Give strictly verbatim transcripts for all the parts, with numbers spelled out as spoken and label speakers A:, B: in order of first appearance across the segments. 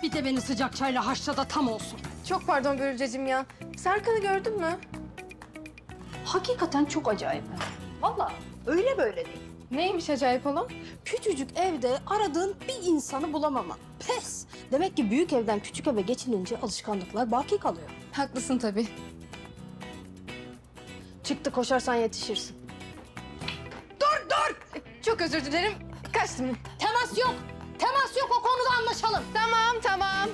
A: Bir de beni sıcak çayla haşla da tam olsun.
B: Çok pardon Börülceciğim ya. Serkan'ı gördün mü?
A: Hakikaten çok acayip. Vallahi öyle böyle değil.
B: Neymiş acayip olan?
A: Küçücük evde aradığın bir insanı bulamama. Pes. Demek ki büyük evden küçük eve geçilince alışkanlıklar baki kalıyor.
B: Haklısın tabii.
A: Çıktı koşarsan yetişirsin.
B: Dur dur! Çok özür dilerim. Kaçtım.
A: Temas yok. Temas yok, o konuda anlaşalım.
B: Tamam tamam.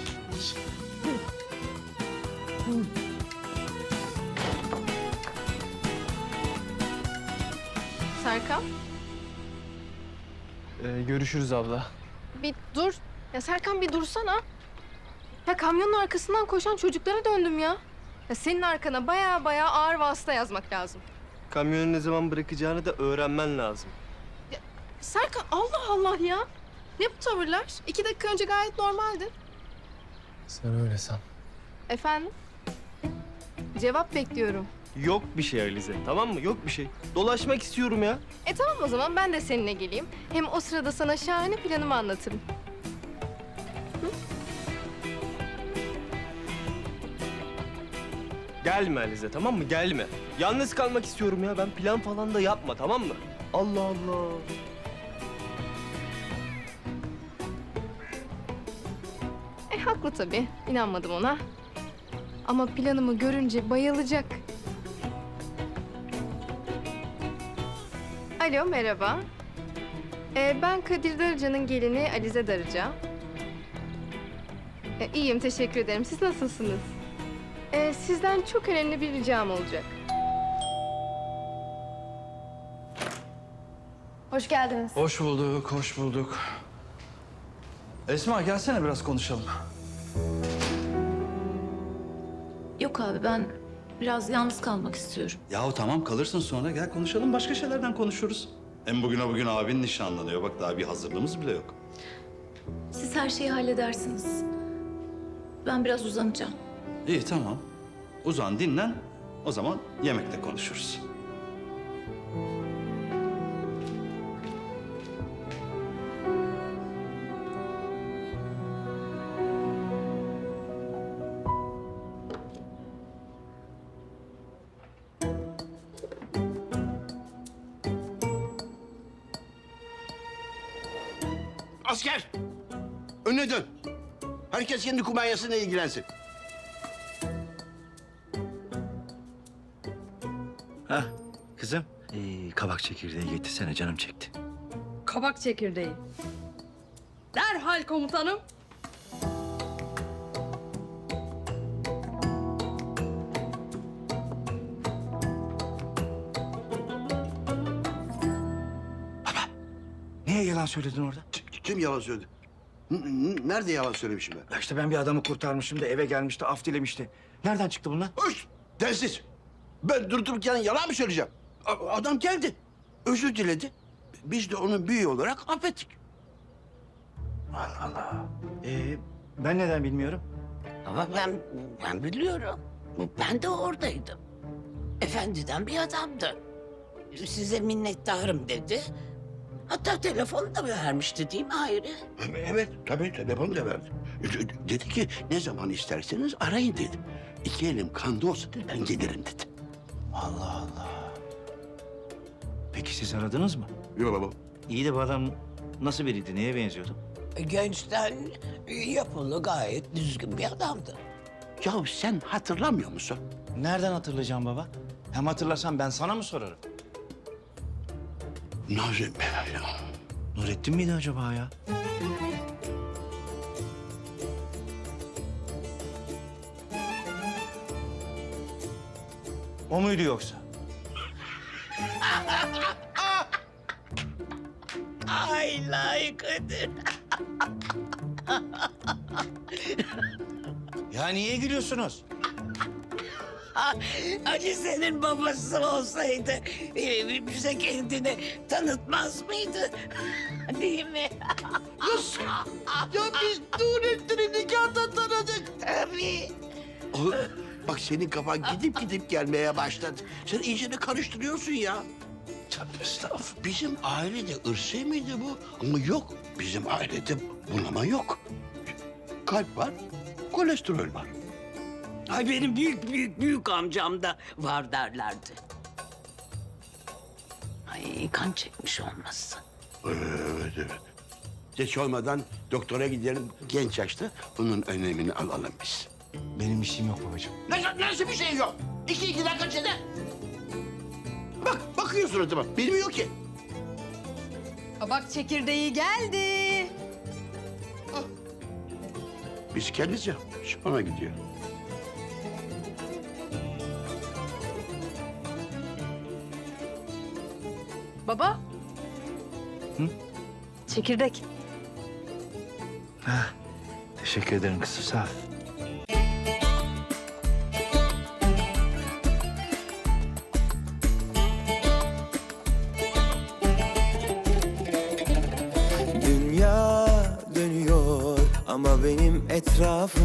B: Serkan
C: Ee, görüşürüz abla.
B: bir dur. Ya Serkan bir dursana. Ya kamyonun arkasından koşan çocuklara döndüm ya. Ya senin arkana baya baya ağır vasıta yazmak lazım.
C: Kamyonu ne zaman bırakacağını da öğrenmen lazım.
B: Serkan Allah Allah ya. Ne bu tavırlar? İki dakika önce gayet normaldi.
C: Sen öyle san.
B: Efendim? Cevap bekliyorum.
C: Yok bir şey Alize, tamam mı? Yok bir şey. Dolaşmak istiyorum ya.
B: E tamam o zaman ben de seninle geleyim. Hem o sırada sana şahane planımı anlatırım.
C: Gelme Alize, tamam mı? Gelme. Yalnız kalmak istiyorum ya. Ben plan falan da yapma, tamam mı? Allah Allah.
B: E haklı tabii. İnanmadım ona. Ama planımı görünce bayılacak. Alo merhaba. E, ben Kadir Darıca'nın gelini Alize Darıca. E, iyiyim teşekkür ederim. Siz nasılsınız? E, sizden çok önemli bir ricam olacak. Hoş geldiniz.
D: Hoş bulduk, hoş bulduk. Esma gelsene biraz konuşalım.
E: Yok abi ben biraz yalnız kalmak istiyorum.
F: Yahu tamam kalırsın sonra gel konuşalım başka şeylerden konuşuruz. Hem bugüne bugün abin nişanlanıyor. Bak daha bir hazırlığımız bile yok.
E: Siz her şeyi halledersiniz. Ben biraz uzanacağım.
F: İyi tamam. Uzan dinlen. O zaman yemekte konuşuruz.
G: Asker! Önüne dön. Herkes kendi kumanyasıyla ilgilensin.
H: Hah kızım. Ee, kabak çekirdeği getirsene canım çekti.
A: Kabak çekirdeği. Derhal komutanım.
H: Niye yalan söyledin orada?
G: K- Kim yalan söyledi? N- n- Nerede yalan söylemişim ben?
H: Ya işte ben bir adamı kurtarmışım da eve gelmişti, af dilemişti. Nereden çıktı bunlar?
G: Öş! Densiz! Ben durup dururken yalan mı söyleyeceğim? A- adam geldi. Özür diledi. Biz de onun büyüğü olarak affettik.
H: Allah Allah. Ee, ben neden bilmiyorum?
I: Ama ben, ben biliyorum. Ben de oradaydım. Efendiden bir adamdı. Size minnettarım dedi. Hatta telefonu da vermişti değil mi Hayri?
G: Evet, tabii telefonu da verdi. D- Dedi ki ne zaman isterseniz arayın dedim. İki elim kanda olsa dedi, ben gelirim dedi.
H: Allah Allah. Peki siz aradınız mı?
G: Yok baba.
H: İyi de bu adam nasıl biriydi, neye benziyordu?
I: Gençten yapılı gayet düzgün bir adamdı.
G: Ya sen hatırlamıyor musun?
H: Nereden hatırlayacağım baba? Hem hatırlasam ben sana mı sorarım?
G: Nazım ya.
H: Nurettin miydi acaba ya? O muydu yoksa?
I: Ay layıkıdır.
H: Ya niye gülüyorsunuz?
I: Hani senin babası olsaydı e, bize kendini tanıtmaz mıydı? Değil mi?
G: Nasıl? Ya biz Nurettin'i nikahta tanıdık.
I: Tabii.
G: Oğlum, bak senin kafan gidip gidip gelmeye başladı. Sen iyice de karıştırıyorsun ya.
H: Tövbe estağfurullah.
G: Bizim ailede ırsi miydi bu? Ama yok. Bizim ailede bunama yok. kalp var, kolesterol var.
I: Ay benim büyük büyük büyük amcam da var derlerdi. Ay kan çekmiş olmasın.
G: Evet, evet. Geç olmadan doktora gidelim genç yaşta. Bunun önemini alalım biz.
H: Benim işim yok babacığım.
G: Nasıl, nasıl bir şey yok? İki iki dakika içinde. Bak, bakıyor suratıma. Bilmiyor ki.
B: Kabak çekirdeği geldi.
G: Biz kendimiz ya. Sonra gidiyor.
B: Baba. Çekirdek.
H: Teşekkür ederim kızım sağ ol.
J: Dünya dönüyor ama benim etrafım